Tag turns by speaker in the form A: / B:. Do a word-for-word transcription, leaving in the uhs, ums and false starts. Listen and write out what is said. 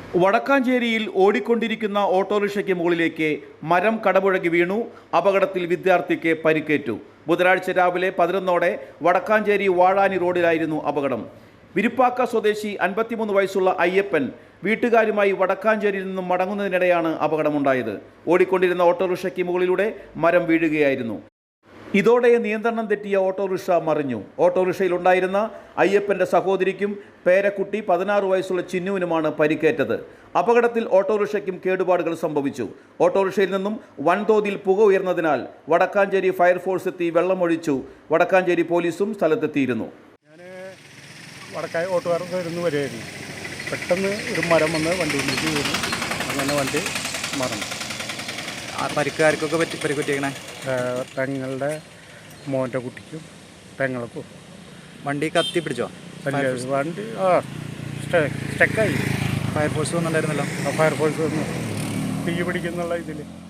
A: വടക്കാഞ്ചേരിയിൽ ഓടിക്കൊണ്ടിരിക്കുന്ന ഓട്ടോറിക്ഷയ്ക്ക് മുകളിലേക്ക് മരം കടപുഴകി വീണു. അപകടത്തിൽ വിദ്യാർത്ഥിക്ക് പരിക്കേറ്റു. ബുധനാഴ്ച രാവിലെ പതിനൊന്നോടെ വടക്കാഞ്ചേരി വാഴാനി റോഡിലായിരുന്നു അപകടം. വിരുപ്പാക്ക സ്വദേശി അൻപത്തിമൂന്ന് വയസ്സുള്ള അയ്യപ്പൻ വീട്ടുകാരുമായി വടക്കാഞ്ചേരിയിൽ നിന്നും മടങ്ങുന്നതിനിടെയാണ് അപകടമുണ്ടായത്. ഓടിക്കൊണ്ടിരുന്ന ഓട്ടോറിക്ഷയ്ക്ക് മുകളിലൂടെ മരം വീഴുകയായിരുന്നു. ഇതോടെ നിയന്ത്രണം തെറ്റിയ ഓട്ടോറിക്ഷ മറിഞ്ഞു. ഓട്ടോറിക്ഷയിലുണ്ടായിരുന്ന അയ്യപ്പൻ്റെ സഹോദരിക്കും പേരക്കുട്ടി പതിനാറ് വയസ്സുള്ള ചിന്നുവിനുമാണ് പരിക്കേറ്റത്. അപകടത്തിൽ ഓട്ടോറിക്ഷയ്ക്കും കേടുപാടുകൾ സംഭവിച്ചു. ഓട്ടോറിക്ഷയിൽ നിന്നും വൻതോതിൽ പുക ഉയർന്നതിനാൽ വടക്കാഞ്ചേരി ഫയർഫോഴ്സ് എത്തി വെള്ളമൊഴിച്ചു. വടക്കാഞ്ചേരി പോലീസും സ്ഥലത്തെത്തിയിരുന്നു.
B: ഞാൻ വടക്കായ ഓട്ടുകാർ വരുന്നു വരികയായിരുന്നു. പെട്ടെന്ന് ഒരു മരം വന്ന് വണ്ടിയിലേക്ക് വീണു. അങ്ങനെ വണ്ടി മറന്നു.
C: പരിക്കാർക്കൊക്കെ പറ്റി പരിക്കുറ്റിയേക്കണേ
B: പെങ്ങളുടെ മോൻ്റെ കുട്ടിക്കും പെങ്ങൾക്കും.
C: വണ്ടി കത്തി പിടിച്ചോ?
B: വണ്ടി ആ സ്റ്റക്കായി.
C: ഫയർഫോഴ്സ് വന്നിട്ടുണ്ടായിരുന്നല്ലോ.
B: ഫയർഫോഴ്സ് വന്നു തീ പിടിക്കുന്നുള്ള ഇതിൽ